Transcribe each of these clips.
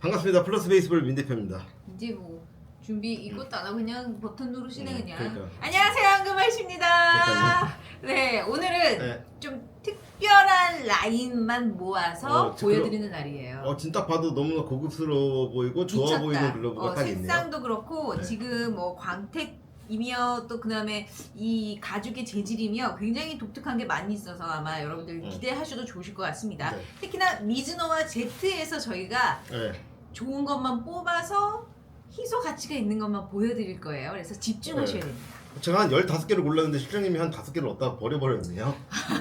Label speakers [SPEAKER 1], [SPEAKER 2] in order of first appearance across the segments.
[SPEAKER 1] 반갑습니다. 플러스 베이스볼 민 대표입니다.
[SPEAKER 2] 이제 뭐 준비 이것도 안 하고 그냥 버튼 누르시네 그냥.
[SPEAKER 1] 그러니까.
[SPEAKER 2] 안녕하세요, 황금알씨입니다. 네, 오늘은
[SPEAKER 1] 네.
[SPEAKER 2] 좀 특별한 라인만 모아서 보여드리는
[SPEAKER 1] 그럼,
[SPEAKER 2] 날이에요.
[SPEAKER 1] 지금 딱 봐도 너무나 고급스러워 보이고 좋아
[SPEAKER 2] 미쳤다.
[SPEAKER 1] 보이는 글러브가 딱 있네요.
[SPEAKER 2] 색상도 그렇고
[SPEAKER 1] 네.
[SPEAKER 2] 지금 뭐 광택이며 또 그다음에 이 가죽의 재질이며 굉장히 독특한 게 많이 있어서 아마 여러분들 기대하셔도 좋으실 것 같습니다.
[SPEAKER 1] 네.
[SPEAKER 2] 특히나 미즈노와 제트에서 저희가
[SPEAKER 1] 네.
[SPEAKER 2] 좋은 것만 뽑아서 희소 가치가 있는 것만 보여드릴 거예요. 그래서 집중하셔야
[SPEAKER 1] 네.
[SPEAKER 2] 됩니다.
[SPEAKER 1] 제가 한 15개를 골랐는데 실장님이 한 5개를 얻다가 버려버렸네요.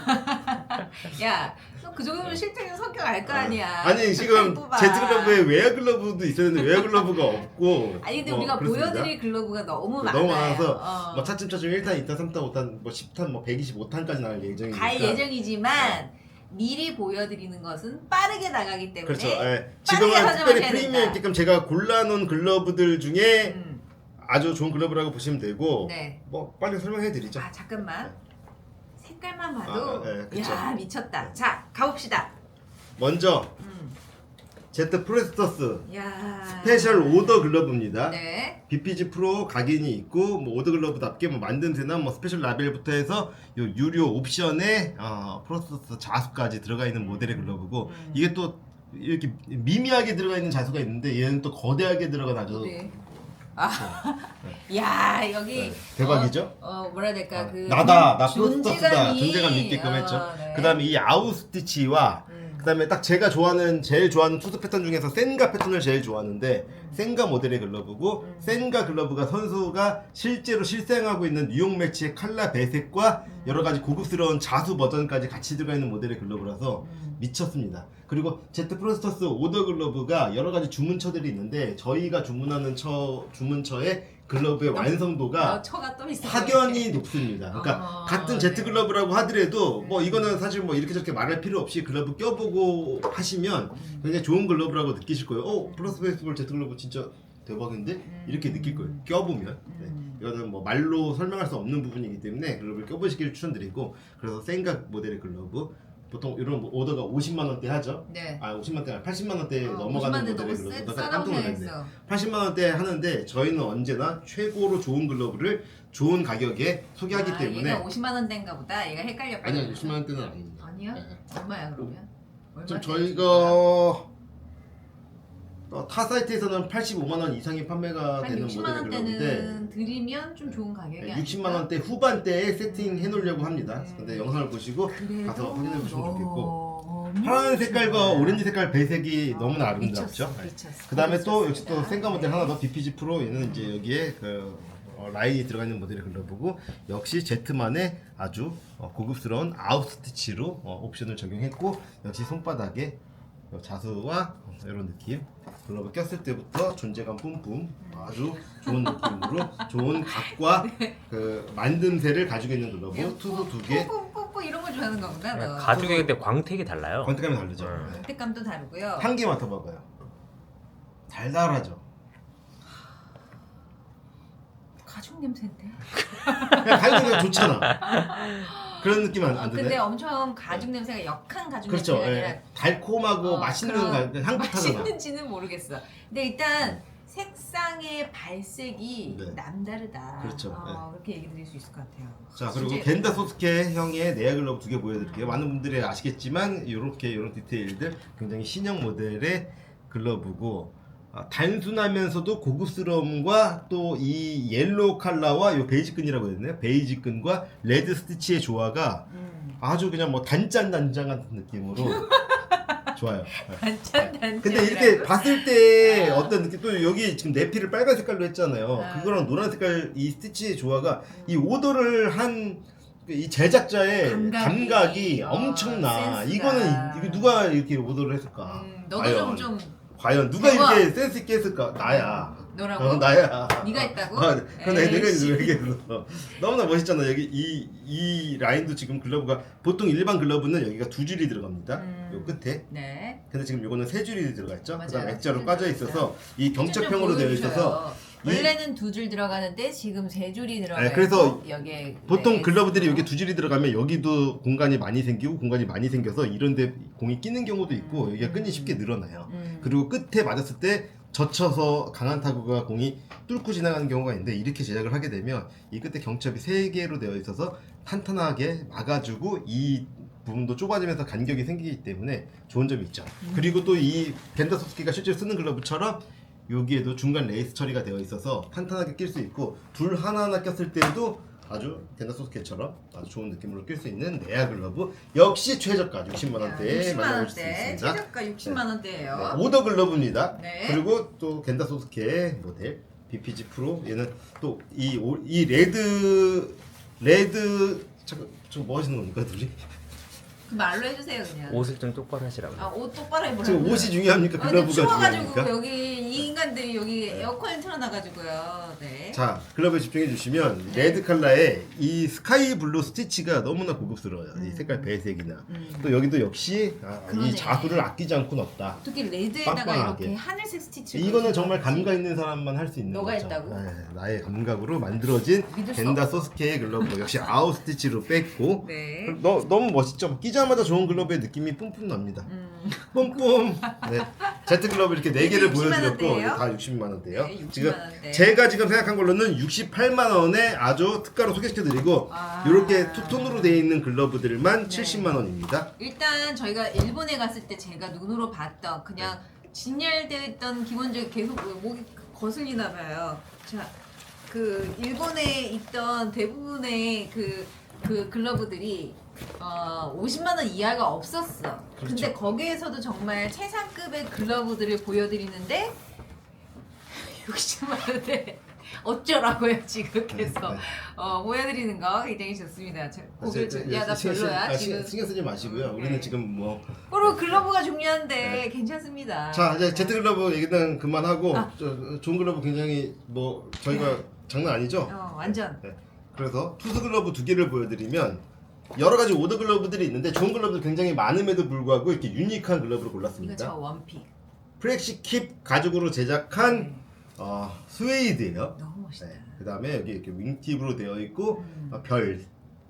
[SPEAKER 2] 야, 너 그 정도면 실장님 성격 알 거 아니야.
[SPEAKER 1] 아니 지금
[SPEAKER 2] 뽑아.
[SPEAKER 1] 제트 글러브에 웨어 글러브도 있었는데 웨어 글러브가 없고
[SPEAKER 2] 아니 근데
[SPEAKER 1] 뭐
[SPEAKER 2] 우리가
[SPEAKER 1] 그렇습니다.
[SPEAKER 2] 보여드릴 글러브가 너무 많아요.
[SPEAKER 1] 너무 많아서
[SPEAKER 2] 어.
[SPEAKER 1] 뭐 차츰차츰 1탄, 2탄, 3탄, 5탄, 뭐 10탄, 뭐 125탄까지 나갈 예정이니까
[SPEAKER 2] 갈 예정이지만 미리 보여드리는 것은 빠르게 나가기 때문에
[SPEAKER 1] 그렇죠. 예.
[SPEAKER 2] 빠르게
[SPEAKER 1] 지금은 특별히
[SPEAKER 2] 선점하셔야
[SPEAKER 1] 프리미엄
[SPEAKER 2] 된다.
[SPEAKER 1] 있게끔 제가 골라놓은 글러브들 중에
[SPEAKER 2] 음,
[SPEAKER 1] 아주 좋은 글러브라고 보시면 되고
[SPEAKER 2] 네.
[SPEAKER 1] 뭐 빨리 설명해 드리죠.
[SPEAKER 2] 아 잠깐만. 색깔만 봐도
[SPEAKER 1] 네, 그쵸.
[SPEAKER 2] 야 미쳤다. 자 가봅시다.
[SPEAKER 1] 먼저 제트 프레스터스
[SPEAKER 2] 야.
[SPEAKER 1] 스페셜 오더 글러브입니다.
[SPEAKER 2] 네.
[SPEAKER 1] BPG 프로 각인이 있고 뭐 오더 글러브답게 뭐 만듦새나 뭐 스페셜 라벨부터 해서 요 유료 옵션에 프레스터스 자수까지 들어가 있는 모델의 글러브고 이게 또 이렇게 미미하게 들어가 있는 자수가 있는데 얘는 또 거대하게 들어간 아주
[SPEAKER 2] 네. 야 여기
[SPEAKER 1] 네, 대박이죠?
[SPEAKER 2] 뭐라 해야 될까 그
[SPEAKER 1] 나 프로스터스다 존재감 있게끔
[SPEAKER 2] 어,
[SPEAKER 1] 했죠.
[SPEAKER 2] 네.
[SPEAKER 1] 그 다음에 이 아웃스티치와 그 다음에 딱 제가 제일 좋아하는 투수 패턴 중에서 센가 패턴을 제일 좋아하는데 센가 모델의 글러브고 센가 글러브가 선수가 실제로 실생하고 있는 뉴욕 매치의 칼라 배색과 여러 가지 고급스러운 자수 버전까지 같이 들어가 있는 모델의 글러브라서 미쳤습니다. 그리고 제트 프로스터스 오더 글러브가 여러 가지 주문처들이 있는데 저희가 주문하는 주문처의 글러브의 완성도가
[SPEAKER 2] 처가 또 있어.
[SPEAKER 1] 확연히 높습니다. 그러니까 같은 제트
[SPEAKER 2] 네.
[SPEAKER 1] 글러브라고 하더라도 뭐 이거는 사실 뭐 이렇게 저렇게 말할 필요 없이 글러브 껴보고 하시면 굉장히 좋은 글러브라고 느끼실 거예요. 플러스 베이스볼 제트 글러브 진짜 대박인데? 이렇게 느낄 거예요. 껴보면. 네. 이거는 뭐 말로 설명할 수 없는 부분이기 때문에 글러브를 껴보시기를 추천드리고 그래서 생각 모델의 글러브 보통 이런 오더가 50만원대 하죠?
[SPEAKER 2] 네.
[SPEAKER 1] 50만원대 아니라 80만원대 넘어가는
[SPEAKER 2] 50만 대
[SPEAKER 1] 모델의
[SPEAKER 2] 너무
[SPEAKER 1] 글러브가
[SPEAKER 2] 싸다고
[SPEAKER 1] 깜짝 놀랐네.
[SPEAKER 2] 생각했어.
[SPEAKER 1] 80만원대 하는데 저희는 언제나 최고로 좋은 글러브를 좋은 가격에 소개하기 때문에
[SPEAKER 2] 얘가 50만 원대인가 보다. 얘가 헷갈렸거든.
[SPEAKER 1] 아니요 60만원대는 아닙니다.
[SPEAKER 2] 아니야?
[SPEAKER 1] 네.
[SPEAKER 2] 얼마야 그러면?
[SPEAKER 1] 지금
[SPEAKER 2] 얼마인데
[SPEAKER 1] 저희가 타 사이트에서는 85만원 이상이 판매가
[SPEAKER 2] 한
[SPEAKER 1] 되는
[SPEAKER 2] 60만
[SPEAKER 1] 모델의 글러브인데
[SPEAKER 2] 원대는 드리면 좀 좋은 가격이
[SPEAKER 1] 60만원대 후반대에 세팅해 놓으려고 합니다. 근데 영상을 보시고
[SPEAKER 2] 그래도
[SPEAKER 1] 가서 확인해 보시면 좋겠고
[SPEAKER 2] 너무
[SPEAKER 1] 파란 색깔과
[SPEAKER 2] 좋아요.
[SPEAKER 1] 오렌지 색깔 배색이 너무나 아름답죠.
[SPEAKER 2] 미쳤어.
[SPEAKER 1] 그 다음에 또 역시 또
[SPEAKER 2] 미쳤습니다.
[SPEAKER 1] 센가 모델 하나 더 BPG 프로 얘는 이제 여기에 그 라인이 들어가 있는 모델의 글러브고 역시 제트만의 아주 고급스러운 아웃스티치로 옵션을 적용했고 역시 손바닥에 자수와 이런 느낌 글러브 꼈을 때부터 존재감 뿜뿜 아주 좋은 느낌으로 좋은 각과 그 만듦새를 가지고 있는 글러브 투수 2개
[SPEAKER 2] 뽀뽀뽀뽀 이런 걸 좋아하는 거구나 너.
[SPEAKER 3] 가죽에 근데 광택이 달라요.
[SPEAKER 1] 권태감이 다르죠. 네.
[SPEAKER 2] 색감도 다르고요.
[SPEAKER 1] 향기 맡아봐봐요. 달달하죠.
[SPEAKER 2] 가죽 냄새인데.
[SPEAKER 1] 그냥 달달하게 좋잖아. 그런 느낌 안
[SPEAKER 2] 근데
[SPEAKER 1] 드네?
[SPEAKER 2] 엄청 가죽 냄새가 역한 가죽
[SPEAKER 1] 그렇죠.
[SPEAKER 2] 냄새가
[SPEAKER 1] 예.
[SPEAKER 2] 아니라
[SPEAKER 1] 달콤하고 맛있는 향긋하잖아.
[SPEAKER 2] 맛있는지는 모르겠어. 근데 일단 색상의 발색이
[SPEAKER 1] 네.
[SPEAKER 2] 남다르다.
[SPEAKER 1] 그렇죠.
[SPEAKER 2] 그렇게 얘기 드릴 수 있을 것 같아요.
[SPEAKER 1] 자 그리고
[SPEAKER 2] 진짜
[SPEAKER 1] 겐다 소스케 형의 네아 글러브 2개 보여드릴게요. 많은 분들이 아시겠지만 이런 디테일들 굉장히 신형 모델의 글러브고 단순하면서도 고급스러움과 또 이 옐로우 컬러와 이 베이지 끈이라고 해야 되나요? 베이지 끈과 레드 스티치의 조화가 아주 그냥 뭐 단짠단짠 같은 느낌으로 좋아요.
[SPEAKER 2] 단짠.
[SPEAKER 1] 근데 이렇게 봤을 때 어떤 느낌 또 여기 지금 내피를 빨간 색깔로 했잖아요. 그거랑 노란 색깔 이 스티치의 조화가 이 오더를 한 이 제작자의 감각이 엄청나.
[SPEAKER 2] 센스가.
[SPEAKER 1] 이거 누가 이렇게 오더를 했을까?
[SPEAKER 2] 너도 좀
[SPEAKER 1] 과연 누가
[SPEAKER 2] 대박.
[SPEAKER 1] 이렇게 센스 있게 했을까? 나야.
[SPEAKER 2] 너라고?
[SPEAKER 1] 나야.
[SPEAKER 2] 네가 했다고?
[SPEAKER 1] 근데 내가
[SPEAKER 2] 에이씨.
[SPEAKER 1] 얘기했어. 너무나 멋있잖아. 여기 이 라인도 지금 글러브가 보통 일반 글러브는 여기가 2줄이 들어갑니다. 요 끝에.
[SPEAKER 2] 네.
[SPEAKER 1] 근데 지금 요거는 3줄이 들어가 있죠.
[SPEAKER 2] 맞아요.
[SPEAKER 1] 그다음 액자로
[SPEAKER 2] 세 줄
[SPEAKER 1] 까져
[SPEAKER 2] 들어가
[SPEAKER 1] 있어서 이 경첩형으로 되어 있어서
[SPEAKER 2] 원래는 2줄 들어가는데 지금 3줄이 들어가요.
[SPEAKER 1] 그래서
[SPEAKER 2] 여기에
[SPEAKER 1] 보통
[SPEAKER 2] 네,
[SPEAKER 1] 글러브들이 여기 2줄이 들어가면 여기도 공간이 많이 생기고 공간이 많이 생겨서 이런데 공이 끼는 경우도 있고 여기가 끈이 쉽게 늘어나요. 그리고 끝에 맞았을 때 젖혀서 강한 타구가 공이 뚫고 지나가는 경우가 있는데 이렇게 제작을 하게 되면 이 끝에 경첩이 3개로 되어 있어서 탄탄하게 막아주고 이 부분도 좁아지면서 간격이 생기기 때문에 좋은 점이 있죠. 그리고 또 이 겐다 소스키가 실제로 쓰는 글러브처럼 여기에도 중간 레이스 처리가 되어 있어서 탄탄하게 낄 수 있고 둘 하나하나 꼈을 때도 아주 겐다 소스키처럼 아주 좋은 느낌으로 낄 수 있는 네아 글러브 역시 최저가 60만 원대에 만나볼 수
[SPEAKER 2] 60만 원대,
[SPEAKER 1] 있습니다.
[SPEAKER 2] 최저가 60만 원대예요.
[SPEAKER 1] 오더 글러브입니다.
[SPEAKER 2] 네.
[SPEAKER 1] 그리고 또 겐다 소스케의 모델 BPG 프로 얘는 또 이 레드 잠깐 저뭐 하시는 겁니까 둘이?
[SPEAKER 2] 그 말로 해주세요 그냥.
[SPEAKER 3] 옷을 좀 똑바로 하시라고.
[SPEAKER 2] 옷 똑바로 해보라고.
[SPEAKER 1] 지금 옷이 중요합니까?
[SPEAKER 2] 근데
[SPEAKER 1] 글러브가
[SPEAKER 2] 추워가지고
[SPEAKER 1] 중요합니까?
[SPEAKER 2] 여기 이 인간들이 여기 에어컨을 틀어놔가지고요. 네.
[SPEAKER 1] 자, 글러브에 집중해 주시면 레드 컬러의 이 스카이 블루 스티치가 너무나 고급스러워요. 이 색깔 배색이나 또 여기도 역시
[SPEAKER 2] 그러네.
[SPEAKER 1] 이 자수를 아끼지 않고 넣었다.
[SPEAKER 2] 특히 레드에다가
[SPEAKER 1] 빵빵하게.
[SPEAKER 2] 이렇게 하늘색 스티치.
[SPEAKER 1] 이거는 정말 감각 있는 사람만 할 수 있는
[SPEAKER 2] 너가
[SPEAKER 1] 거죠.
[SPEAKER 2] 했다고?
[SPEAKER 1] 네, 나의 감각으로 만들어진
[SPEAKER 2] 믿을 수
[SPEAKER 1] 겐다 소스케의 글러브 역시 아웃 스티치로 뺐고
[SPEAKER 2] 네.
[SPEAKER 1] 너무 멋있죠. 끼자마자 좋은 글러브의 느낌이 뿜뿜 납니다. 뿜뿜. 네. 제트 글러브 이렇게 4개를
[SPEAKER 2] 60만
[SPEAKER 1] 보여드렸고
[SPEAKER 2] 원대예요?
[SPEAKER 1] 다 60만 원대요.
[SPEAKER 2] 네, 60만
[SPEAKER 1] 지금
[SPEAKER 2] 원대.
[SPEAKER 1] 제가 지금 생각한 걸로는 68만 원에 아주 특가로 소개시켜드리고
[SPEAKER 2] 아.
[SPEAKER 1] 이렇게 투톤으로 되어 있는 글러브들만
[SPEAKER 2] 네.
[SPEAKER 1] 70만 원입니다.
[SPEAKER 2] 일단 저희가 일본에 갔을 때 제가 눈으로 봤던 그냥 진열되어 있던 기본적인 계속 목이 거슬리나 봐요. 자, 그 일본에 있던 대부분의 그 글러브들이 50만 원 이하가 없었어.
[SPEAKER 1] 그렇죠.
[SPEAKER 2] 근데 거기에서도 정말 최상급의 글러브들을 보여드리는데 60만 원에 어쩌라고요 지금 계속
[SPEAKER 1] 네.
[SPEAKER 2] 보여드리는 거 굉장히 좋습니다.
[SPEAKER 1] 사실
[SPEAKER 2] 야나 별로야 지금.
[SPEAKER 1] 신경 쓰지 마시고요. 우리는 지금 뭐
[SPEAKER 2] 그리고 글러브가 중요한데 괜찮습니다.
[SPEAKER 1] 자 이제 제트 글러브 얘기는 그만하고
[SPEAKER 2] 아.
[SPEAKER 1] 좋은 글러브 굉장히 뭐 저희가 장난 아니죠?
[SPEAKER 2] 완전.
[SPEAKER 1] 네. 그래서 투스 글러브 2개를 보여드리면 여러 가지 오더 글러브들이 있는데 좋은 글러브들 굉장히 많음에도 불구하고 이렇게 유니크한 글러브를
[SPEAKER 2] 이거
[SPEAKER 1] 골랐습니다.
[SPEAKER 2] 저 원픽.
[SPEAKER 1] 프렉시 킵 가죽으로 제작한
[SPEAKER 2] 네.
[SPEAKER 1] 스웨이드예요.
[SPEAKER 2] 너무 멋있다.
[SPEAKER 1] 네. 그 다음에 여기 이렇게 윙팁으로 되어 있고 별.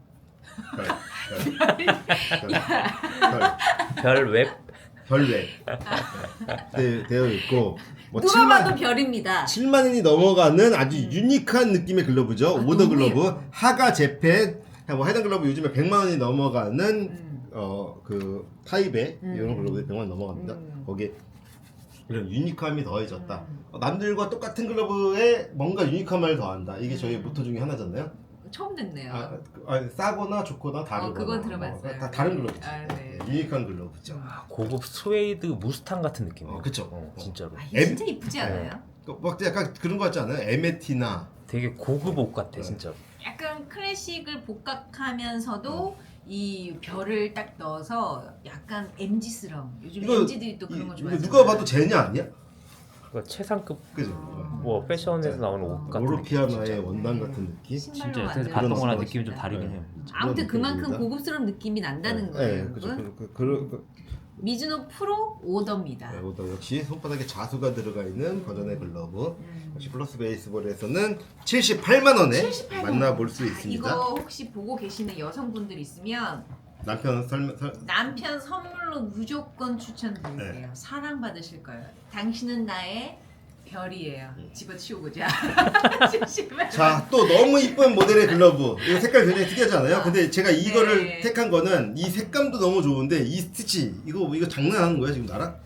[SPEAKER 3] 별웹.
[SPEAKER 1] 별외 되어 있고 뭐
[SPEAKER 2] 누가 봐도 별입니다.
[SPEAKER 1] 7만 원이 넘어가는 아주 유니크한 느낌의 글러브죠. 오더
[SPEAKER 2] 너무
[SPEAKER 1] 글러브,
[SPEAKER 2] 예뻐.
[SPEAKER 1] 하가 재팬, 뭐 해당 글러브 요즘에 100만 원이 넘어가는 그 타입의 이런 글러브들이 100만 원 넘어갑니다. 거기에 이런 유니크함이 더해졌다. 남들과 똑같은 글러브에 뭔가 유니크함을 더한다. 이게 저희 모토 중에 하나잖아요.
[SPEAKER 2] 처음 듣네요.
[SPEAKER 1] 싸거나 좋거나 다르거나.
[SPEAKER 2] 그건 들어봤어요.
[SPEAKER 1] 다 다른 글러브죠.
[SPEAKER 2] 네.
[SPEAKER 1] 유니크한 글러브죠.
[SPEAKER 3] 고급 스웨이드 무스탕 같은 느낌이에요.
[SPEAKER 1] 그쵸.
[SPEAKER 3] 진짜로.
[SPEAKER 2] 이게 진짜 이쁘지 않아요?
[SPEAKER 1] 막 약간 그런 거 같지 않아요? 에메티나
[SPEAKER 3] 되게 고급 옷 같아, 진짜로.
[SPEAKER 2] 약간 클래식을 복각하면서도 이 별을 딱 넣어서 약간 MG스러운. 요즘 MG들이 또 그런 거
[SPEAKER 1] 이거
[SPEAKER 2] 좋아해요.
[SPEAKER 1] 누가 봐도 제냐 아니야?
[SPEAKER 3] 그러니까 최상급
[SPEAKER 1] 그죠?
[SPEAKER 3] 뭐 패션에서 나오는 옷 같은
[SPEAKER 1] 오로피아나의
[SPEAKER 3] 느낌, 진짜.
[SPEAKER 1] 원단 같은 느낌?
[SPEAKER 2] 신발로
[SPEAKER 3] 진짜
[SPEAKER 2] 만든
[SPEAKER 3] 봤던 거랑
[SPEAKER 1] 그런
[SPEAKER 3] 느낌이 좀
[SPEAKER 2] 멋있다.
[SPEAKER 3] 다르긴
[SPEAKER 1] 네.
[SPEAKER 3] 해요.
[SPEAKER 2] 아무튼
[SPEAKER 1] 그런
[SPEAKER 2] 그만큼
[SPEAKER 1] 느낌입니다.
[SPEAKER 2] 고급스러운 느낌이 난다는 거예요.
[SPEAKER 1] 네, 그죠.
[SPEAKER 2] 여러분. 미즈노 프로 오더입니다.
[SPEAKER 1] 이것도 역시 손바닥에 자수가 들어가 있는 버전의 글러브. 역시 플러스 베이스볼에서는 78만 원에
[SPEAKER 2] 78만
[SPEAKER 1] 만나볼 수 있습니다.
[SPEAKER 2] 이거 혹시 보고 계시는 여성분들 있으면
[SPEAKER 1] 남편
[SPEAKER 2] 남편 선물로 무조건 추천드릴게요. 사랑받으실 거예요. 당신은 나의 별이에요. 집어치우고자.
[SPEAKER 1] 자, 또 너무 이쁜 모델의 글러브. 이거 색깔 굉장히 특이하지 않아요? 근데 제가 이거를
[SPEAKER 2] 네.
[SPEAKER 1] 택한 거는 이 색감도 너무 좋은데 이 스티치 이거 장난하는 거야 지금 나랑?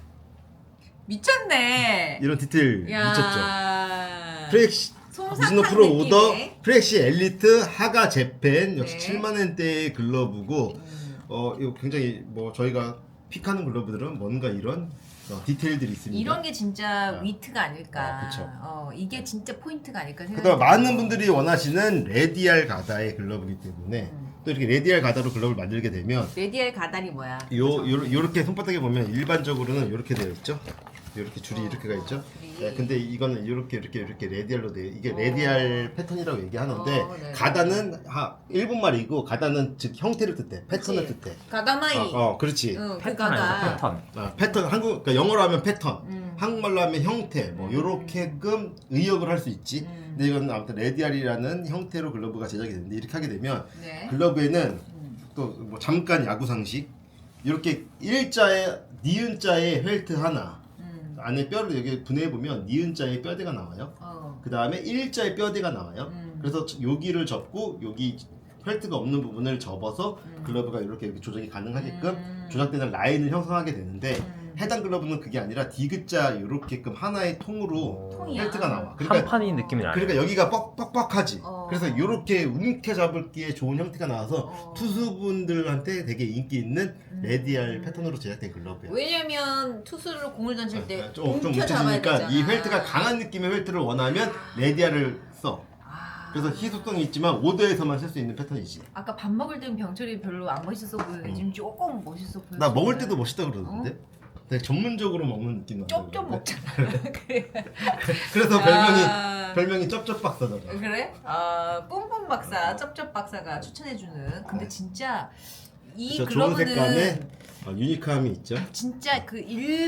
[SPEAKER 2] 미쳤네.
[SPEAKER 1] 이런 디테일 미쳤죠?
[SPEAKER 2] 야.
[SPEAKER 1] 프렉시
[SPEAKER 2] 솜사탕
[SPEAKER 1] 미즈노 프로
[SPEAKER 2] 느낌의.
[SPEAKER 1] 오더 프렉시 엘리트 하가 재팬 역시
[SPEAKER 2] 네.
[SPEAKER 1] 7만 원대의 글러브고 이거 굉장히 뭐 저희가 픽하는 글러브들은 뭔가 이런 디테일들이 있습니다.
[SPEAKER 2] 이런 게 진짜 위트가 아닐까.
[SPEAKER 1] 그쵸.
[SPEAKER 2] 이게 진짜 포인트가 아닐까 생각해요.
[SPEAKER 1] 그다음 많은 분들이 원하시는 레디알 가다의 글러브이기 때문에 또 이렇게 레디알 가다로 글러브를 만들게 되면
[SPEAKER 2] 레디알 가다리 뭐야?
[SPEAKER 1] 요렇게 손바닥에 보면 일반적으로는 이렇게 되어 있죠. 이렇게 줄이 이렇게 가 있죠.
[SPEAKER 2] 줄이.
[SPEAKER 1] 네, 근데 이거는 이렇게 레디알로 돼. 이게 레디알 패턴이라고 얘기하는데
[SPEAKER 2] 네.
[SPEAKER 1] 가다는 일본말이고 가다는 즉 형태를 뜻해. 패턴을 뜻해.
[SPEAKER 2] 가다마이.
[SPEAKER 1] 그렇지.
[SPEAKER 2] 그
[SPEAKER 3] 패턴
[SPEAKER 2] 가다.
[SPEAKER 3] 아니야, 패턴.
[SPEAKER 1] 패턴 한국 그러니까 영어로 하면 패턴. 한국말로 하면 형태 뭐 요렇게끔 의역을 할 수 있지. 근데 이건 아무튼 레디알이라는 형태로 글러브가 제작이 되는데 이렇게 하게 되면
[SPEAKER 2] 네.
[SPEAKER 1] 글러브에는 또 뭐 잠깐 야구 상식 이렇게 일자에 니은자의 펠트 하나 안에 뼈를 여기 분해해 보면 니은자의 뼈대가 나와요. 그 다음에 일자의 뼈대가 나와요. 그래서 여기를 접고 여기 펠트가 없는 부분을 접어서 글러브가 이렇게 조정이 가능하게끔 조작되는 라인을 형성하게 되는데 해당 글러브는 그게 아니라 디귿자 이렇게끔 하나의 통으로
[SPEAKER 2] 통이야.
[SPEAKER 1] 펠트가 나와.
[SPEAKER 3] 한 판이 느낌이 나요.
[SPEAKER 1] 그러니까 여기가 뻑뻑뻑하지.
[SPEAKER 2] 어.
[SPEAKER 1] 그래서 이렇게 움켜 잡을기에 좋은 형태가 나와서
[SPEAKER 2] 어.
[SPEAKER 1] 투수분들한테 되게 인기 있는 레디알 패턴으로 제작된 글러브야.
[SPEAKER 2] 왜냐면 투수로 공을 던질 때
[SPEAKER 1] 좀
[SPEAKER 2] 움켜 잡아야
[SPEAKER 1] 움켜쥐니까
[SPEAKER 2] 되잖아.
[SPEAKER 1] 이 펠트가 강한 느낌의 펠트를 원하면 레디알을 써. 그래서 희소성이 있지만 5도에서만 쓸 수 있는 패턴이지.
[SPEAKER 2] 아까 밥 먹을 때는 병철이 별로 안 멋있어 보이는데 지금 조금 멋있어 보여.
[SPEAKER 1] 나 먹을 때도 멋있다 그러던데. 되게 전문적으로 먹는 느낌 나는.
[SPEAKER 2] 쪽쪽 먹잖아. 그래.
[SPEAKER 1] 그래서 별명이 쩝쩝 박사잖아.
[SPEAKER 2] 그래? 뿜뿜 박사, 쩝쩝 박사가 추천해주는. 근데 진짜 이
[SPEAKER 1] 그쵸, 좋은
[SPEAKER 2] 글러브는
[SPEAKER 1] 색감에 유니크함이 있죠.
[SPEAKER 2] 진짜 그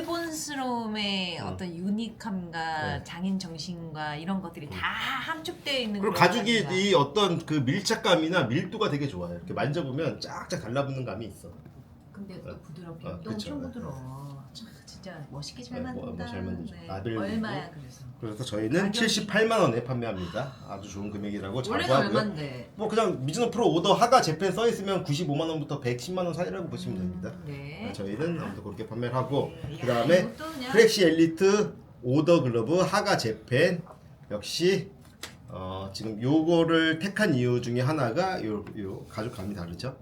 [SPEAKER 2] 일본스러움의 어떤 유니크함과
[SPEAKER 1] 네.
[SPEAKER 2] 장인 정신과 이런 것들이 다 함축되어 있는.
[SPEAKER 1] 그리고
[SPEAKER 2] 그런
[SPEAKER 1] 가죽이
[SPEAKER 2] 감이다.
[SPEAKER 1] 이 어떤 그 밀착감이나 밀도가 되게 좋아요. 이렇게 만져보면 쫙쫙 달라붙는 감이 있어.
[SPEAKER 2] 근데 또 부드럽게
[SPEAKER 1] 아,
[SPEAKER 2] 또
[SPEAKER 1] 그쵸.
[SPEAKER 2] 엄청 부드러워. 참, 진짜 멋있게 잘
[SPEAKER 1] 네,
[SPEAKER 2] 만든다.
[SPEAKER 1] 잘 만들죠.
[SPEAKER 2] 네.
[SPEAKER 1] 아들도
[SPEAKER 2] 얼마야 그래서?
[SPEAKER 1] 그래서 저희는
[SPEAKER 2] 가격이-
[SPEAKER 1] 78만 원에 판매합니다. 아주 좋은 금액이라고
[SPEAKER 2] 원래는
[SPEAKER 1] 자부하고요.
[SPEAKER 2] 얼마인데?
[SPEAKER 1] 뭐 그냥 미즈노 프로 오더 하가 재팬 써 있으면 95만 원부터 110만 원 사이라고 보시면 됩니다.
[SPEAKER 2] 네.
[SPEAKER 1] 저희는 아무튼 그렇게 판매를 하고
[SPEAKER 2] 네.
[SPEAKER 1] 그 다음에
[SPEAKER 2] 이것도 그냥
[SPEAKER 1] 프렉시 엘리트 오더 글러브 하가 재팬 역시 지금 요거를 택한 이유 중에 하나가 요 가죽감이 다르죠.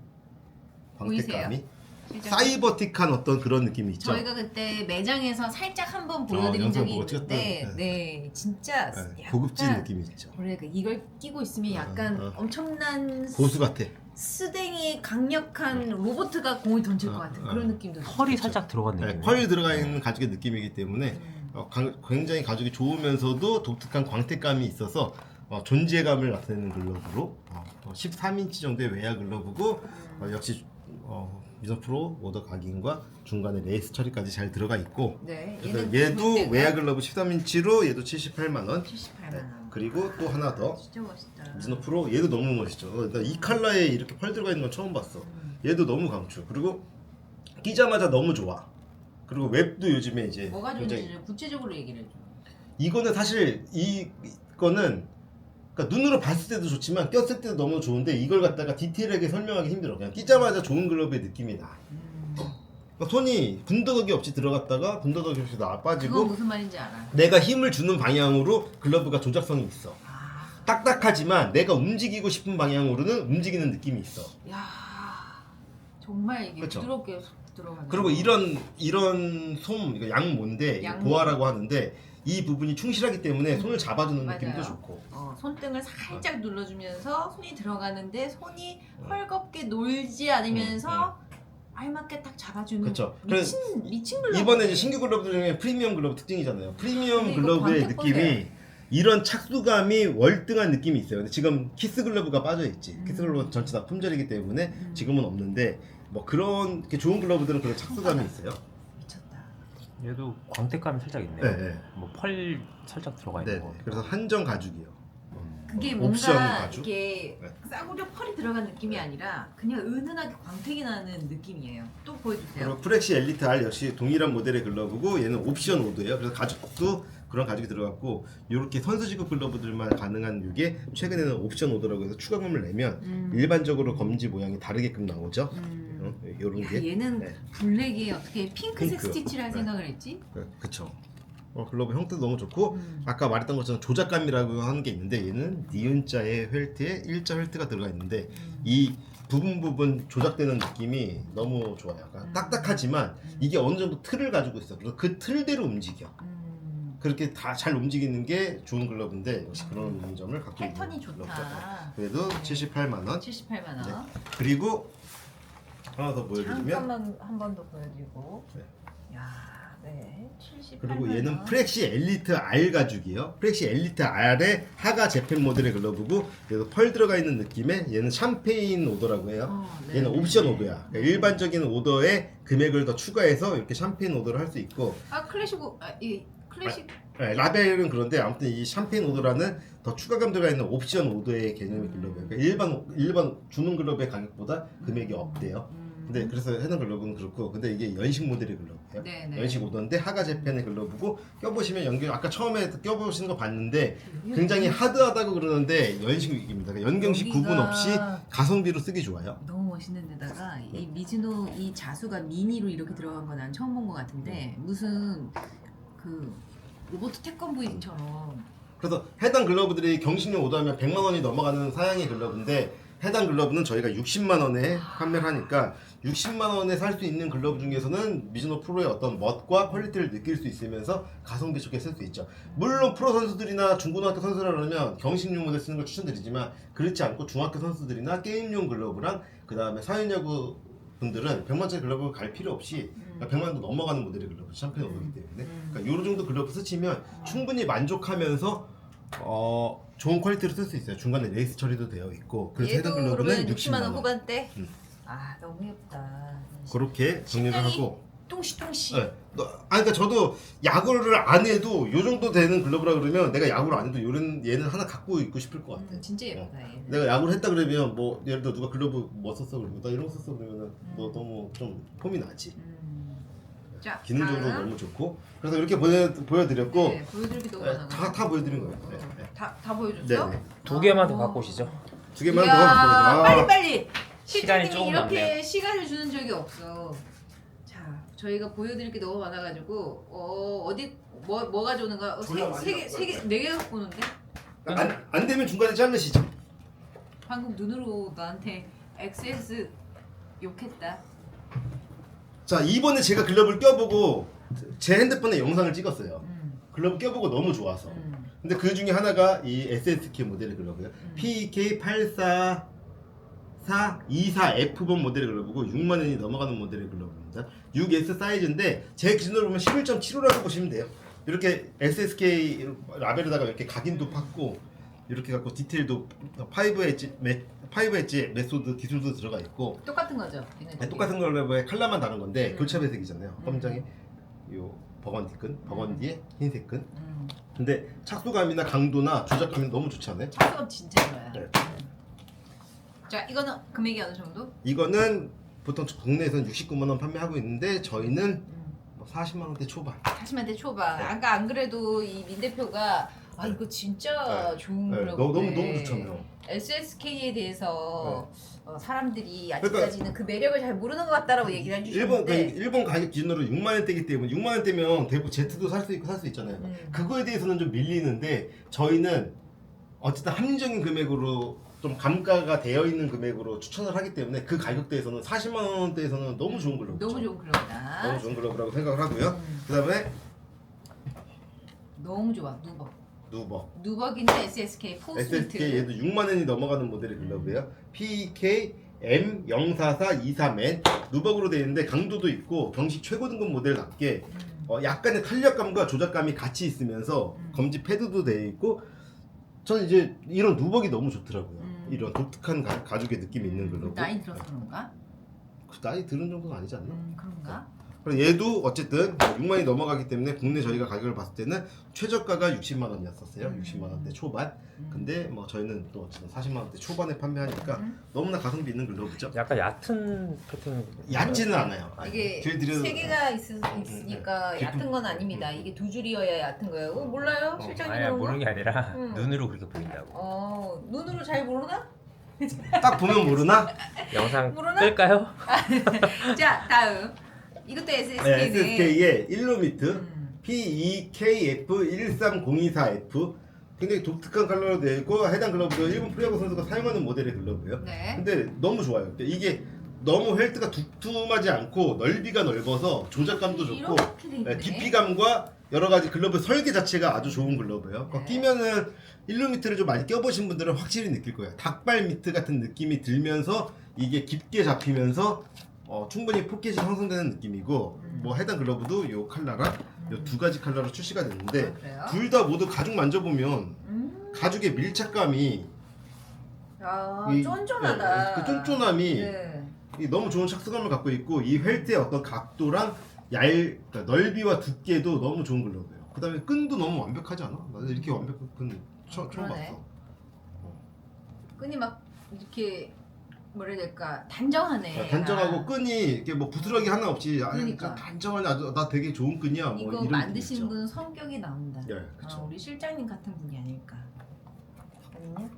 [SPEAKER 1] 광택감이
[SPEAKER 2] 실제로
[SPEAKER 1] 사이버틱한 어떤 그런 느낌이 있죠.
[SPEAKER 2] 저희가 그때 매장에서 살짝 한번 보여드린
[SPEAKER 1] 영상
[SPEAKER 2] 적이
[SPEAKER 1] 보고
[SPEAKER 2] 있는데,
[SPEAKER 1] 찍었던,
[SPEAKER 2] 네, 진짜
[SPEAKER 1] 네,
[SPEAKER 2] 약간
[SPEAKER 1] 고급진 느낌이 있죠.
[SPEAKER 2] 그래, 이걸 끼고 있으면 약간 엄청난
[SPEAKER 1] 고수 같아.
[SPEAKER 2] 스댕이 강력한 로봇가 공을 던질 것 같은 그런 느낌도 들어요.
[SPEAKER 3] 펄이 살짝 들어간
[SPEAKER 1] 네,
[SPEAKER 3] 느낌.
[SPEAKER 1] 펄이 들어가 있는 가죽의 느낌이기 때문에 굉장히 가죽이 좋으면서도 독특한 광택감이 있어서 존재감을 나타내는 글러브로 13인치 정도의 외야 글러브고 역시 미즈노 프로 오더 각인과 중간에 레이스 처리까지 잘 들어가 있고
[SPEAKER 2] 네,
[SPEAKER 1] 그래서 얘도 외야 글러브 13인치로 얘도 78만 원.
[SPEAKER 2] 78만 원.
[SPEAKER 1] 그리고 또 하나 더
[SPEAKER 2] 진짜 멋있다.
[SPEAKER 1] 미즈노 프로 얘도 너무 멋있죠. 나 이 컬러에 이렇게 펄 들어가 있는 건 처음 봤어. 얘도 너무 강추. 그리고 끼자마자 너무 좋아. 그리고 웹도 요즘에 이제
[SPEAKER 2] 뭐가
[SPEAKER 1] 굉장히
[SPEAKER 2] 좋은지 구체적으로 얘기를 해줘.
[SPEAKER 1] 이거는 사실 이거는 그러니까 눈으로 봤을 때도 좋지만 꼈을 때도 너무 좋은데 이걸 갖다가 디테일하게 설명하기 힘들어. 그냥 끼자마자 좋은 글러브의 느낌이 나. 그러니까 손이 군더더기 없이 들어갔다가 군더더기 없이
[SPEAKER 2] 그건
[SPEAKER 1] 빠지고
[SPEAKER 2] 무슨 말인지 알아.
[SPEAKER 1] 내가 힘을 주는 방향으로 글러브가 조작성이 있어. 딱딱하지만 내가 움직이고 싶은 방향으로는 움직이는 느낌이 있어.
[SPEAKER 2] 야, 정말 이게
[SPEAKER 1] 그쵸?
[SPEAKER 2] 부드럽게 들어가네.
[SPEAKER 1] 그리고 이런 솜, 이거 양모인데
[SPEAKER 2] 양모.
[SPEAKER 1] 보아라고 하는데 이 부분이 충실하기 때문에 손을 잡아주는
[SPEAKER 2] 맞아요.
[SPEAKER 1] 느낌도 좋고.
[SPEAKER 2] 손등을 살짝 눌러주면서 손이 들어가는데 손이 헐겁게 놀지 않으면서 알맞게 딱 잡아주는.
[SPEAKER 1] 그쵸.
[SPEAKER 2] 미친 글러브.
[SPEAKER 1] 이번에 이제 신규 글러브 중에 프리미엄 글러브 특징이잖아요. 프리미엄
[SPEAKER 2] 근데 이거
[SPEAKER 1] 글러브의
[SPEAKER 2] 광택
[SPEAKER 1] 느낌이
[SPEAKER 2] 보세요.
[SPEAKER 1] 이런 착수감이 월등한 느낌이 있어요. 근데 지금 키스 글러브가 빠져 있지. 키스 글러브 전체 다 품절이기 때문에 지금은 없는데 뭐 그런 이렇게 좋은 글러브들은 그런 착수감이 있어요.
[SPEAKER 2] 미쳤다.
[SPEAKER 3] 얘도 광택감이 살짝 있네요.
[SPEAKER 1] 네, 네.
[SPEAKER 3] 뭐 펄 살짝 들어가 있는
[SPEAKER 1] 네.
[SPEAKER 3] 거.
[SPEAKER 1] 그래서 한정 가죽이요.
[SPEAKER 2] 그게
[SPEAKER 1] 옵션
[SPEAKER 2] 뭔가
[SPEAKER 1] 가죽.
[SPEAKER 2] 이게
[SPEAKER 1] 네.
[SPEAKER 2] 싸구려 펄이 들어간 느낌이 아니라 그냥 은은하게 광택이 나는 느낌이에요. 또 보여주세요.
[SPEAKER 1] 그리고 프렉시 엘리트 R 역시 동일한 모델의 글러브고 얘는 옵션 오드예요. 그래서 가죽도 그런 가죽이 들어갔고 이렇게 선수지급 글러브들만 가능한 이게 최근에는 옵션 오더라고 해서 추가금을 내면 일반적으로 검지 모양이 다르게끔 나오죠. 이런
[SPEAKER 2] 야,
[SPEAKER 1] 게.
[SPEAKER 2] 얘는
[SPEAKER 1] 네.
[SPEAKER 2] 블랙에 어떻게 핑크색
[SPEAKER 1] 핑크.
[SPEAKER 2] 스티치를 할
[SPEAKER 1] 네.
[SPEAKER 2] 생각을 했지?
[SPEAKER 1] 그쵸. 글러브 형태도 너무 좋고 아까 말했던 것처럼 조작감이라고 하는 게 있는데 얘는 니은자의 펠트에 일자 펠트가 들어가 있는데 이 부분 조작되는 느낌이 너무 좋아요. 약간 딱딱하지만 이게 어느 정도 틀을 가지고 있어. 그래서 그 틀대로 움직여. 그렇게 다 잘 움직이는 게 좋은 글러브인데 역시 그런 점을 갖고 있는
[SPEAKER 2] 패턴이
[SPEAKER 1] 글러브죠.
[SPEAKER 2] 좋다.
[SPEAKER 1] 그래도 78만 원.
[SPEAKER 2] 78만 원.
[SPEAKER 1] 네. 그리고 하나 더 보여드리면
[SPEAKER 2] 잠깐만 한 번 더 보여드리고.
[SPEAKER 1] 네.
[SPEAKER 2] 야, 네. 78만
[SPEAKER 1] 그리고 얘는
[SPEAKER 2] 원.
[SPEAKER 1] 프렉시 엘리트 R 가죽이에요. 프렉시 엘리트 R의 하가 재팬 모델의 글러브고 그래서 펄 들어가 있는 느낌에 얘는 샴페인 오더라고 해요.
[SPEAKER 2] 네.
[SPEAKER 1] 얘는 옵션 오더야. 그러니까 일반적인 오더에 금액을 더 추가해서 이렇게 샴페인 오더를 할 수 있고
[SPEAKER 2] 클래식 이 클래식.
[SPEAKER 1] 네, 라벨은 그런데 아무튼 이 샴페인 오더라는 더 추가감 들어가 있는 옵션 오더의 개념의 글러브예요. 그러니까 일반 주문 글러브의 가격보다 금액이 없대요. 근데 그래서 해당 글러브는 그렇고, 근데 이게 연식 모델의 글러브예요.
[SPEAKER 2] 네네.
[SPEAKER 1] 연식 오더인데 하가 재팬의 글러브고, 껴보시면 연경 아까 처음에 껴보시는 거 봤는데 굉장히 하드하다고 그러는데 연식입니다. 그러니까 연경식
[SPEAKER 2] 여기가-
[SPEAKER 1] 구분 없이 가성비로 쓰기 좋아요.
[SPEAKER 2] 너무 멋있는 데다가 이 미즈노 이 자수가 미니로 이렇게 들어간 건 난 처음 본 것 같은데 무슨 그 로봇 태권브이처럼
[SPEAKER 1] 그래서 해당 글러브들이 경식용 오더하면 100만 원이 넘어가는 사양의 글러브인데, 해당 글러브는 저희가 60만 원에 판매를 하니까 60만 원에 살 수 있는 글러브 중에서는 미즈노 프로의 어떤 멋과 퀄리티를 느낄 수 있으면서 가성비 좋게 쓸 수 있죠. 물론 프로 선수들이나 중고등학교 선수라면 경식용 모델 쓰는 걸 추천드리지만, 그렇지 않고 중학교 선수들이나 게임용 글러브랑 그 다음에 사회야구 분들은 100만짜리 글러브 갈 필요 없이 100만도 넘어가는 모델의 글러브 샴페인 오더이기 때문에 그러니까 요 정도 글러브 쓰시면 충분히 만족하면서 좋은 퀄리티로 쓸 수 있어요. 중간에 레이스 처리도 되어 있고. 그래서
[SPEAKER 2] 얘도
[SPEAKER 1] 해당 글러브는
[SPEAKER 2] 그러면 60만 원
[SPEAKER 1] 60만 원.
[SPEAKER 2] 후반대?
[SPEAKER 1] 음.
[SPEAKER 2] 아 너무 예쁘다.
[SPEAKER 1] 그렇게 정리를
[SPEAKER 2] 식량이
[SPEAKER 1] 하고.
[SPEAKER 2] 똥시똥시.
[SPEAKER 1] 네. 그러니까 저도 야구를 안 해도 요 정도 되는 글러브라 그러면 내가 야구를 안 해도 얘는 하나 갖고 있고 싶을 것 같아.
[SPEAKER 2] 진짜 예쁘다 얘는.
[SPEAKER 1] 내가 야구를 했다 그러면 뭐 예를 들어 누가 글러브 뭐 썼어 그러면 나 이런 거 썼어 그러면 너 너무 좀 폼이 나지.
[SPEAKER 2] 자,
[SPEAKER 1] 기능적으로
[SPEAKER 2] 다음.
[SPEAKER 1] 너무 좋고. 그래서 이렇게 보여드렸고.
[SPEAKER 2] 네, 보여드릴 게 너무
[SPEAKER 1] 네,
[SPEAKER 2] 많아.
[SPEAKER 1] 다 보여드린 거예요. 네, 네.
[SPEAKER 2] 다 보여줬어?
[SPEAKER 1] 네네.
[SPEAKER 3] 2개만 더 갖고 오시죠.
[SPEAKER 1] 2개만 더
[SPEAKER 2] 이야,
[SPEAKER 1] 보여드려.
[SPEAKER 2] 빨리.
[SPEAKER 3] 시간이
[SPEAKER 2] 실장님이
[SPEAKER 3] 조금
[SPEAKER 2] 이렇게
[SPEAKER 3] 남네요.
[SPEAKER 2] 시간을 주는 적이 없어. 자, 저희가 보여드릴 게 너무 많아가지고 어디 뭐 가져오는가?
[SPEAKER 1] 졸라 많이
[SPEAKER 2] 네 개 갖고 오는데?
[SPEAKER 1] 안 되면 중간에 자르시죠.
[SPEAKER 2] 방금 눈으로 나한테 XS 욕했다.
[SPEAKER 1] 자, 이번에 제가 글러브를 껴보고 제 핸드폰에 영상을 찍었어요. 글러브 껴보고 너무 좋아서. 근데 그 중에 하나가 이 SSK 모델의 글러브예요. PK84424F번 모델의 글러브고 6만 원이 넘어가는 모델의 글러브입니다. 6S 사이즈인데 제 기준으로 보면 11.75라고 보시면 돼요. 이렇게 SSK 라벨에다가 이렇게 각인도 팠고 이렇게 갖고 디테일도 5엣지 메소드 기술도 들어가 있고
[SPEAKER 2] 똑같은 거죠?
[SPEAKER 1] 네, 똑같은 글러브에 컬러만 다른 건데 교차 배색이잖아요. 검정에 요 버건디에 흰색 끈. 근데 착수감이나 강도나 조작감이 너무 좋지 않아요?
[SPEAKER 2] 착수감 진짜 좋아요.
[SPEAKER 1] 네.
[SPEAKER 2] 자, 이거는 금액이 어느 정도?
[SPEAKER 1] 이거는 보통 국내에서는 69만 원 판매하고 있는데 저희는 뭐 40만 원대 초반.
[SPEAKER 2] 40만대 초반.
[SPEAKER 1] 네.
[SPEAKER 2] 아까 안 그래도 이 민 대표가 아 이거 진짜 좋은
[SPEAKER 1] 네,
[SPEAKER 2] 글러브네.
[SPEAKER 1] 너무 좋잖아요.
[SPEAKER 2] SSK에 대해서 사람들이
[SPEAKER 1] 그러니까
[SPEAKER 2] 아직까지는 그 매력을 잘 모르는 것 같다라고 얘기를 해주셨는데
[SPEAKER 1] 일본 가격 기준으로 6만 원대이기 때문에 6만 원대면 대부분 Z도 살 수 있고 살 수 있잖아요. 그거에 대해서는 좀 밀리는데 저희는 어쨌든 합리적인 금액으로 좀 감가가 되어 있는 금액으로 추천을 하기 때문에 그 가격대에서는 40만 원대에서는 너무 좋은 글러브죠.
[SPEAKER 2] 너무 좋은 글러브다.
[SPEAKER 1] 너무 좋은 글러브라고 생각을 하고요. 그다음에
[SPEAKER 2] 너무 좋아. 누벅인데 SSK 포스트.
[SPEAKER 1] SSK 얘도 6만 원이 넘어가는 모델의 글러브예요. PK M04423N 누벅으로 되어 있는데 강도도 있고 경식 최고 등급 모델답게 약간의 탄력감과 조작감이 같이 있으면서 검지 패드도 되어 있고 저는 이제 이런 누벅이 너무 좋더라고요. 이런 독특한 가죽의 느낌이 있는 글러브.
[SPEAKER 2] 나이 들어서 그런가?
[SPEAKER 1] 나이 들은 정도는 아니지 않나?
[SPEAKER 2] 그런가?
[SPEAKER 1] 그리고 얘도 어쨌든 6만이 넘어가기 때문에 국내 저희가 가격을 봤을 때는 최저가가 60만 원이었었어요. 60만 원대 초반. 근데 뭐 저희는 또 어쨌든 40만 원대 초반에 판매하니까 너무나 가성비 있는 글러브죠.
[SPEAKER 3] 약간 얕은 패턴.
[SPEAKER 1] 얕지는 않아요.
[SPEAKER 2] 이게
[SPEAKER 1] 길 들여서-
[SPEAKER 2] 세 개가 있으니까
[SPEAKER 1] 깊은-
[SPEAKER 2] 얕은 건 아닙니다. 이게 두 줄이어야 얕은 거예요. 몰라요? 실장님
[SPEAKER 3] 아니
[SPEAKER 2] 그런 거?
[SPEAKER 3] 모르는 게 아니라
[SPEAKER 2] 응.
[SPEAKER 3] 눈으로 그렇게 보인다고.
[SPEAKER 2] 눈으로 잘 모르나?
[SPEAKER 1] 딱 보면 모르나?
[SPEAKER 3] 영상
[SPEAKER 2] 모르나?
[SPEAKER 3] 끌까요?
[SPEAKER 2] 자 다음 이것도
[SPEAKER 1] 네,
[SPEAKER 2] SSK네.
[SPEAKER 1] SSK의 일루미트 PEKF13024F 굉장히 독특한 컬러로 되어 있고 해당 글러브도 일본 프로야구 선수가 사용하는 모델의 글러브예요.
[SPEAKER 2] 네.
[SPEAKER 1] 근데 너무 좋아요. 근데 이게 너무 헬트가 두툼하지 않고 넓이가 넓어서 조작감도 좋고
[SPEAKER 2] 이렇게 돼 있네.
[SPEAKER 1] 깊이감과 여러 가지 글러브 설계 자체가 아주 좋은 글러브예요.
[SPEAKER 2] 네.
[SPEAKER 1] 끼면은 일루미트를 좀 많이 껴보신 분들은 확실히 느낄 거예요. 닭발 미트 같은 느낌이 들면서 이게 깊게 잡히면서 충분히 포켓이 형성되는 느낌이고 뭐 해당 글러브도 요 컬러랑 요 두 가지 컬러로 출시가 됐는데
[SPEAKER 2] 그래요?
[SPEAKER 1] 둘 다 모두 가죽 만져보면 가죽의 밀착감이
[SPEAKER 2] 쫀쫀하다.
[SPEAKER 1] 그 쫀쫀함이
[SPEAKER 2] 네.
[SPEAKER 1] 이 너무 좋은 착수감을 갖고 있고 이 펠트의 어떤 각도랑 그러니까 넓이와 두께도 너무 좋은 글러브예요. 그다음에 끈도 너무 완벽하지 않아? 나는 이렇게 완벽한 끈 처음
[SPEAKER 2] 그러네.
[SPEAKER 1] 봤어.
[SPEAKER 2] 끈이 막 이렇게 뭐라 해야 될까 단정하네.
[SPEAKER 1] 단정하고 끈이 이렇게 뭐 부스러기 하나 없이
[SPEAKER 2] 그러니까.
[SPEAKER 1] 단정한 아주 나 되게 좋은 끈이야. 뭐
[SPEAKER 2] 이거
[SPEAKER 1] 이런
[SPEAKER 2] 만드신
[SPEAKER 1] 느낌 있죠.
[SPEAKER 2] 분 성격이 나온다.
[SPEAKER 1] 예, 그렇죠.
[SPEAKER 2] 우리 실장님 같은 분이 아닐까. 아니냐?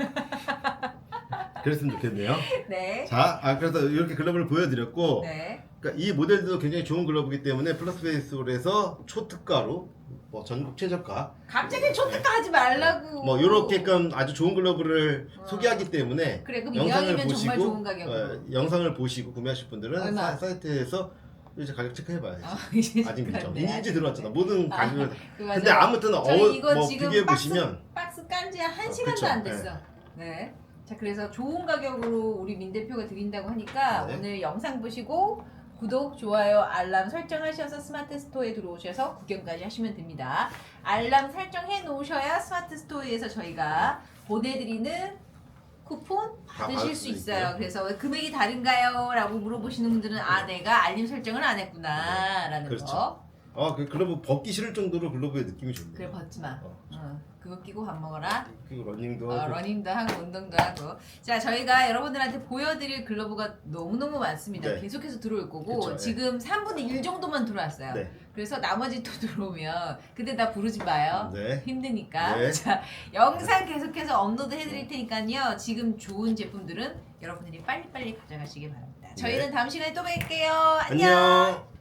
[SPEAKER 1] 그랬으면 좋겠네요.
[SPEAKER 2] 네.
[SPEAKER 1] 자, 그래서 이렇게 글러브를 보여드렸고,
[SPEAKER 2] 네.
[SPEAKER 1] 그러니까 이 모델도 굉장히 좋은 글러브이기 때문에 플러스 베이스홀에서 초특가로 뭐 전국 최저가
[SPEAKER 2] 갑자기 초특가 하지 말라고.
[SPEAKER 1] 뭐 이렇게끔 아주 좋은 글러브를
[SPEAKER 2] 어.
[SPEAKER 1] 소개하기 때문에
[SPEAKER 2] 그래 그럼
[SPEAKER 1] 영상을
[SPEAKER 2] 이왕이면 정말
[SPEAKER 1] 보시고
[SPEAKER 2] 좋은 가격으로.
[SPEAKER 1] 영상을 보시고 구매하실 분들은
[SPEAKER 2] 얼마?
[SPEAKER 1] 사이트에서 이제 가격 체크해봐야지.
[SPEAKER 2] 이제
[SPEAKER 1] 아직 늦죠.
[SPEAKER 2] 네,
[SPEAKER 1] 이제 들어왔잖아. 모든 가격을.
[SPEAKER 2] 맞아요.
[SPEAKER 1] 근데 아무튼
[SPEAKER 2] 저희 이거
[SPEAKER 1] 뭐
[SPEAKER 2] 지금
[SPEAKER 1] 비교해 보시면
[SPEAKER 2] 박스 깐지 한 시간도
[SPEAKER 1] 그쵸.
[SPEAKER 2] 안 됐어. 네. 자 그래서 좋은 가격으로 우리 민 대표가 드린다고 하니까
[SPEAKER 1] 네.
[SPEAKER 2] 오늘 영상 보시고 구독, 좋아요, 알람 설정하셔서 스마트 스토어에 들어오셔서 구경까지 하시면 됩니다. 알람 설정해 놓으셔야 스마트 스토어에서 저희가 보내드리는 쿠폰 받으실
[SPEAKER 1] 받을
[SPEAKER 2] 수
[SPEAKER 1] 수
[SPEAKER 2] 있어요.
[SPEAKER 1] 있고요.
[SPEAKER 2] 그래서 금액이 다른가요? 라고 물어보시는 분들은 아 내가 알림 설정을 안 했구나 라는
[SPEAKER 1] 그렇죠.
[SPEAKER 2] 거.
[SPEAKER 1] 그 글러브 벗기 싫을 정도로 글러브의 느낌이 좋네요.
[SPEAKER 2] 그래 벗지 마.
[SPEAKER 1] 어.
[SPEAKER 2] 그거 끼고 밥 먹어라.
[SPEAKER 1] 그리고 러닝도 하고.
[SPEAKER 2] 러닝도 하고 운동도 하고. 자 저희가 여러분들한테 보여드릴 글러브가 너무너무 많습니다.
[SPEAKER 1] 네.
[SPEAKER 2] 계속해서 들어올 거고
[SPEAKER 1] 그쵸, 네.
[SPEAKER 2] 지금 3분의 1 정도만 들어왔어요.
[SPEAKER 1] 네.
[SPEAKER 2] 그래서 나머지 또 들어오면 근데 나 부르지 마요.
[SPEAKER 1] 네.
[SPEAKER 2] 힘드니까.
[SPEAKER 1] 네.
[SPEAKER 2] 자 영상 계속해서 업로드 해드릴 테니까요. 지금 좋은 제품들은 여러분들이 빨리빨리 가져가시기 바랍니다. 저희는 다음 시간에 또 뵐게요. 안녕.
[SPEAKER 1] 안녕.